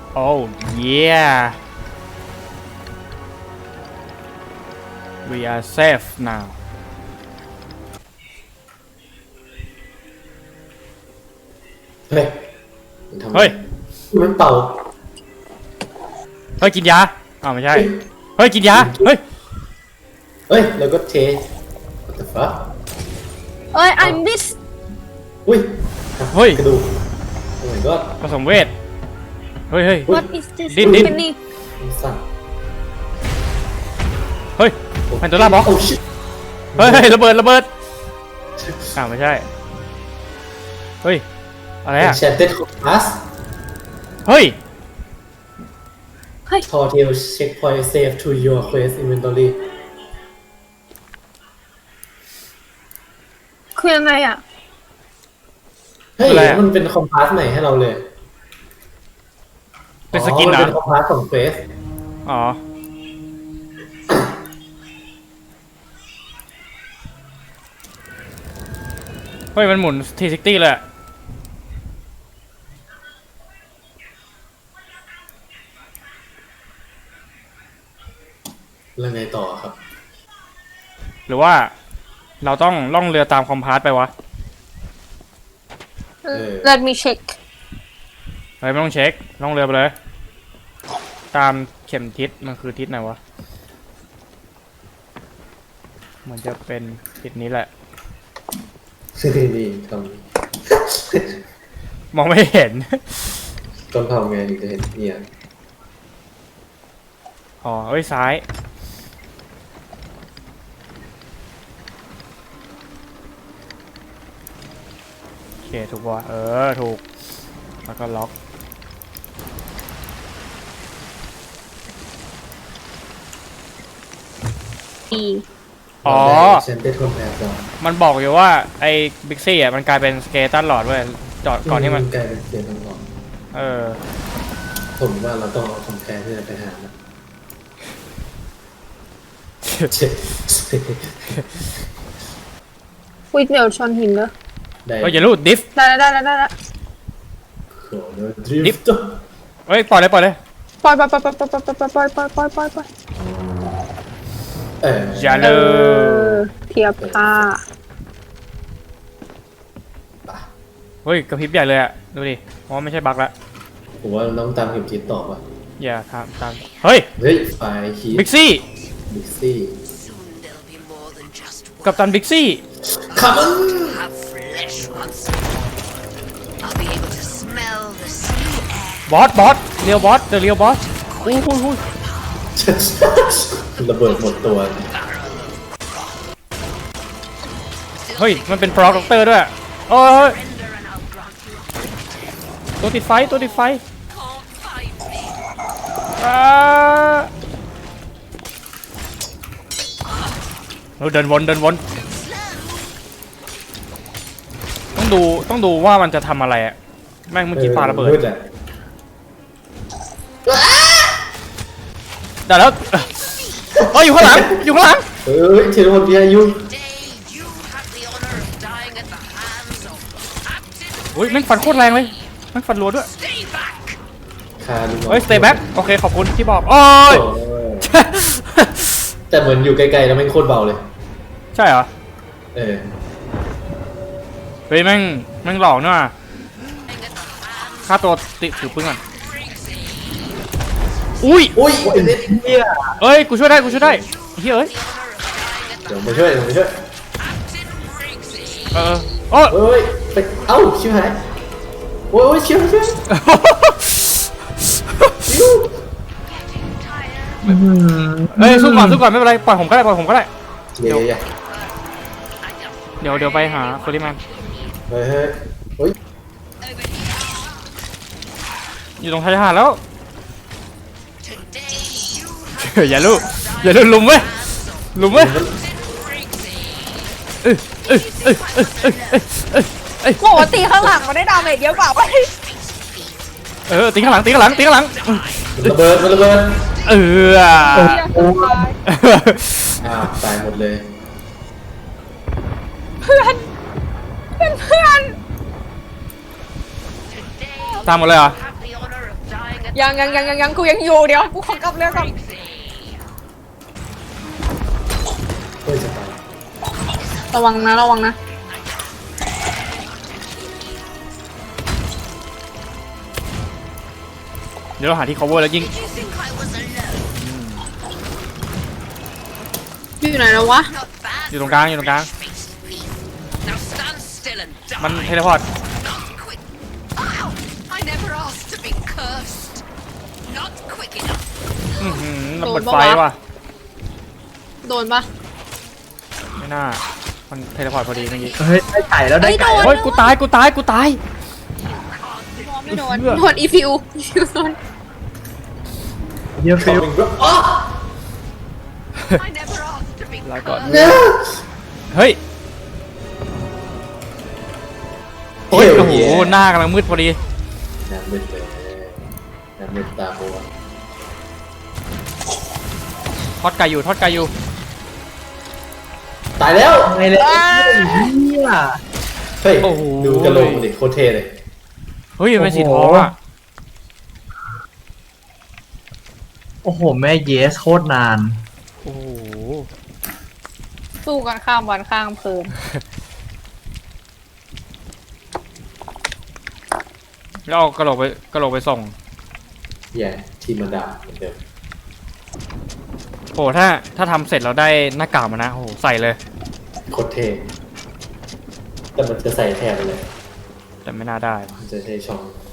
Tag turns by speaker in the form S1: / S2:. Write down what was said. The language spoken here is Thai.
S1: Oh yeah we are safe now
S2: เฮ้ยมันทำอะไร
S1: เฮ้ย
S2: มันเป่า
S1: เฮ้ยกินยาอ้าวไม่ใช่เฮ้ยกินยาเฮ้ย
S2: เฮ้ยแล้วก็เท What the fuck
S3: เอ้ย I miss
S2: อุ้ย
S1: เฮ้ย
S2: กระดูก Oh my god
S1: ผสมเวทเฮ้ยเฮ้ย
S3: what is this
S1: ดิ้นดิ้น
S3: นี่
S2: มันสั่น
S1: เฮ้ยแพนโดร่าบล็อก
S2: โอ้ shit
S1: เฮ้ยระเบิดอ้าวไม่ใช่เฮ้ยอะไรอะ
S2: Enchanted Compass
S1: เฮ้ย
S2: Tortel checkpoint save to your quest inventory
S3: คือยังไงอ่ะ
S2: เฮ้ย
S1: อะไรอะ
S2: มันเป็นคอมพาสใหม่ให้เราเลย
S1: เป็นสกิน
S2: มั
S1: เหรอ
S2: เป็นคอมพาสของเควส
S1: อ๋อเฮ้ยมันหมุน360เลยอะ
S2: แล้วไงต่อครับ
S1: หรือว่าเราต้องล่องเรือตามคอมพาสไปวะ
S3: let me check
S1: เฮ้ยไม่ต้องเช็คล่องเรือไปเลย ตามเข็มทิศมันคือทิศไหนวะเหมือนจะเป็นทิศนี้แหละ
S2: นี่ท
S1: มองไม่เห็น
S2: ำต้องทำไงถึงจะเห็นเนี่ย
S1: อ๋อเอ้ยซ้าย โอเคถูกป่ะถูก แล้วก็ล็อก
S3: E
S1: อ๋อ
S2: เซนเตอร์คอมแพร์ก่อน
S1: มันบอกอยู่ว่าไอ้บิ๊กซี่อ่ะมันกลายเป็นสเกเลตันหลอดเว้ยจอดก่อนที่มัน
S2: กลายเป็นเสียงทั้งหมด
S1: เออ
S2: ผมว่าเราต้องเอาคอมแพร์ที่จะไปหานะ
S3: วิทเมลชอนหินเนอะ
S2: ได้
S1: เฮ้ยอย่าลูดดิฟ
S3: ได้แล้ว
S2: โอ้โหดริฟต์
S1: เฮ้ยปล่อยเลย
S3: ปล่อย
S1: อย่า
S3: เอ
S1: เลย
S3: อเทียบท่า
S1: เฮ้ยกระพริบใหญ่เลยอะดูดิเพราะว่าไม่ใช่บั๊กละ
S2: ผมว่าต้องตามเข็มทิศต่อว่ะ
S1: อย่าตามเฮ้ย
S2: เฮ้ยไฟคี
S1: บิ๊กซี่
S2: บิ๊กซี่
S4: Soon there'll be more than just
S1: กับตันบิ๊กซี่
S2: คัมอน
S4: have flesh once more. I'll be able to smell the sea air.
S1: บอสเรียวบอสเดอะเรียวบอสอุ้ย
S2: ระเบิดหมดตัว
S1: เฮ้ยมันเป็นปลอกด็อกเตอร์ด้วยโอ้ย
S4: Render and I'll grant you
S1: ตัวติดไฟ
S4: can't find me.
S1: อ่าเดินวนต้องดูว่ามันจะทำอะไรอะแม่งเมื่อกี้ปาระเบิด
S2: มือะ
S1: ได้แล้วเฮ้ยอยู่ข้างหลัง
S2: เฮ้ยเทเลพอร์ตอายุ
S4: Today you have the honor of dying at the hands of Captain
S1: อุ้ยแม่งฟันโคตรแรงเลยแม่งฟันรัวด้วย
S4: Stay back.
S2: คาดู
S1: เฮ้ย stay back โอเคขอบคุณที่บอกโอ้ย
S2: แต่เหมือนอยู่ไกลๆแล้วแม่งโคตรเบาเลย
S1: ใช่เหรอ
S2: เออ
S1: เฮ้ยแม่งหลอกเนอะค่าตัวติดถือปืนก่อนอุ้ย
S2: อุ้ยเนี่ย
S1: เอ้ยกูช่วยได้เฮ้ยเอ้ย
S2: เดี๋ยวมาช่วย
S1: โอ้ย
S2: เฮ้ยไปเอ้าชิวหายโอ้ยชิว
S1: เฮ้ยสู้ก่อนไม่เป็นไรปล่อยผมก็ได้
S2: เดี๋ยว
S1: เดี๋ยวไปหาโคลิแมน
S2: เฮ้ย
S1: อยู่ตรงชายหาดแล้ว
S4: Today you
S1: อย่าลุลุมเว้ย
S3: โอ้ตีข้างหลังมันได้ดาเมจเยอะกว่าเว้ย
S1: ตีข้างหลัง
S2: ระเบิด ตายหมดเลย
S3: เพื่อน
S1: ตามหมดเลยเหรอ
S4: have the honor of dying at
S3: ยังกูยังอยู่เดี๋ยวกูขอกลับเรือก่อน
S2: เฮ้ยจะตาย
S3: ระวังนะ
S1: เดี๋ยวเราหาที่ cover แล้วยิง
S4: Did you think I was alone?
S3: อยู่ไหนแล้ววะ
S4: Not bad.
S1: อยู่ตรงกลางอยู่ตรงกลาง
S4: Face thief. Now stand still and die.
S1: มันเทเลพอร์ต
S4: Not quick. Ow! I never asked to be cursed. Not quick enough.
S1: ระเบิดไฟว่ะ
S3: โดนปะ
S1: ไม่น่ามันเทเลพอร์ตพอดีเมื่อกี้
S2: เฮ้ยได้ไก่แล้วได้ไก่
S3: โดน
S1: เฮ้ยกูตาย
S3: ไม่โดน
S1: เพื่อ
S3: โดนอีฟิวโดน
S2: เดี๋ยวฟิลอ๋อ
S4: I never asked to be
S1: ลาก่อน
S4: cursed.
S2: เนี่ย
S1: เฮ้ย
S2: โอ้ย
S1: โอ้โหหน้ากำลังมืดพอดี
S2: น้ำมืดเลยน้ำมืดตาบัว
S1: ทอดไก่อยู่
S2: ตายแล้ว
S5: ไงเลยเนี่ย
S2: เฮ้ย
S1: โอ้โห
S2: ดูกระโหลกมันดิโคตรเท่เลย
S1: เฮ้ยมันเป็นสีทองอ่ะ
S5: โอ้โหแม่เยสโคตรนาน
S1: โอ้โห
S3: สู้กันข้ามวันข้ามคืน
S1: แล้วเอากระโหลกไปส่ง
S2: แย่ทีมมันดำเหมือนเดิม
S1: โอ้ถ้าทำเสร็จเราได้หน้ากากมานะโอ้โหใส่เลย
S2: โคตรเท่แต่มันจะใส่แทนไปเลย
S1: แต่ไม่น่าได้
S2: มันจะใช้ช่อง